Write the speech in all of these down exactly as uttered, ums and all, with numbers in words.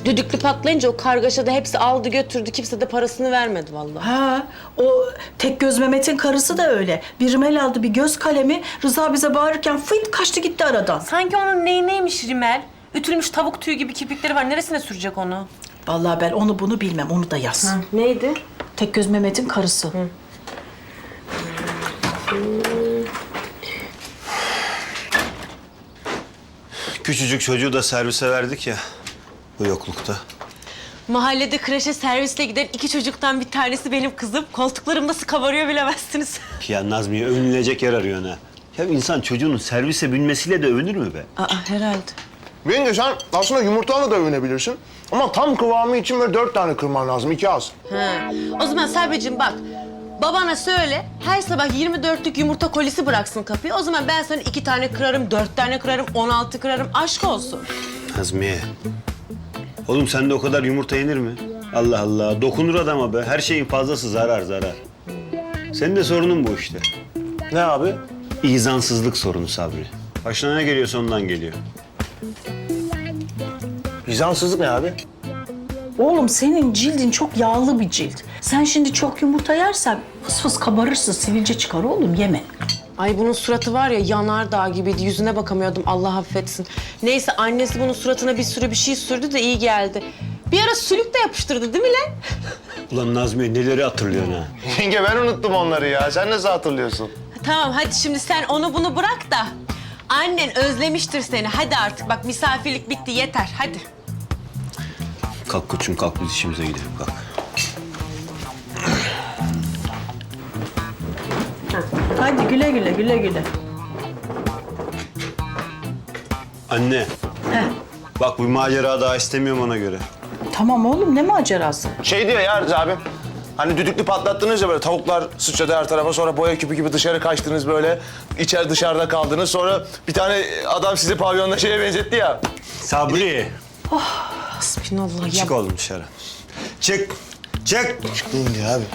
Düdüklü patlayınca o kargaşada hepsi aldı götürdü. Kimse de parasını vermedi vallahi. Ha, o tek göz Mehmet'in karısı da öyle. Bir rimel aldı, bir göz kalemi. Rıza bize bağırırken fıt kaçtı gitti aradan. Sanki onun neyi neymiş rimel? Ütülmüş tavuk tüyü gibi kirpikleri var. Neresine sürecek onu? Vallahi ben onu bunu bilmem, onu da yaz. Hı. Neydi? Tek göz Mehmet'in karısı. Hı. Küçücük çocuğu da servise verdik ya bu yoklukta. Mahallede kreşe servisle giden iki çocuktan bir tanesi benim kızım. Koltuklarım nasıl kabarıyor bilemezsiniz. Ya Nazmiye övünülecek yer arıyorsun ha. Ya insan çocuğunun servise binmesiyle de övünür mü be? Aa herhalde. Bence sen aslında yumurtayla da övünebilirsin. Ama tam kıvamı için böyle dört tane kırman lazım, iki az. Ha. O zaman Sabeciğim bak. Babana söyle, her sabah yirmi dörtlük yumurta kolisi bıraksın kapıya. O zaman ben sana iki tane kırarım, dört tane kırarım, on altı kırarım. Aşk olsun. Nazmiye. Oğlum sende o kadar yumurta yenir mi? Allah Allah. Dokunur adama be. Her şeyin fazlası zarar zarar. Senin de sorunun bu işte. Ne abi? İzansızlık sorunu Sabri. Başına ne geliyorsa ondan geliyor. Vizansızlık ne abi? Oğlum senin cildin çok yağlı bir cilt. Sen şimdi çok yumurta yersen fıs fıs kabarırsın, sivilce çıkar oğlum, yeme. Ay bunun suratı var ya yanardağ gibiydi. Yüzüne bakamıyordum Allah affetsin. Neyse annesi bunun suratına bir sürü bir şey sürdü de iyi geldi. Bir ara sülük de yapıştırdı değil mi lan? Ulan Nazmiye neleri hatırlıyorsun ha? Yenge ben unuttum onları ya. Sen nasıl hatırlıyorsun? Tamam hadi şimdi sen onu bunu bırak da. Annen özlemiştir seni. Hadi artık bak misafirlik bitti yeter hadi. Kalk koçum kalk biz işimize gidelim kalk. Hadi güle güle, güle güle. Anne. Heh. Bak bu macera daha istemiyorum ona göre. Tamam oğlum, ne macerası? Şey diyor ya Rıza abi. Hani düdüklü patlattınız ya böyle tavuklar sıçradı her tarafa, sonra boya küpü gibi dışarı kaçtınız böyle. İçer dışarıda kaldınız, sonra bir tane adam sizi pavyonda şeye benzetti ya. Sabri. Hasbinallah ya. Çık oğlum dışarı. Çık. Çık. Çıktın ya abi.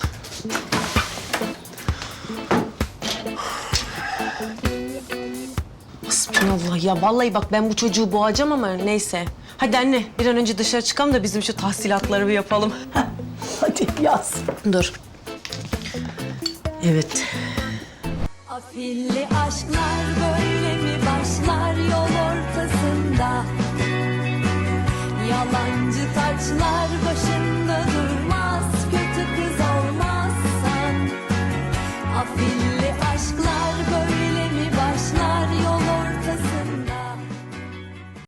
Hasbinallah ya. Vallahi bak ben bu çocuğu boğacağım ama neyse. Hadi anne bir an önce dışarı çıkalım da bizim şu tahsilatları bir yapalım. Hadi yaz. Dur. Evet. Afilli aşklar böyle mi başlar yol ortasında? Yalancı taçlar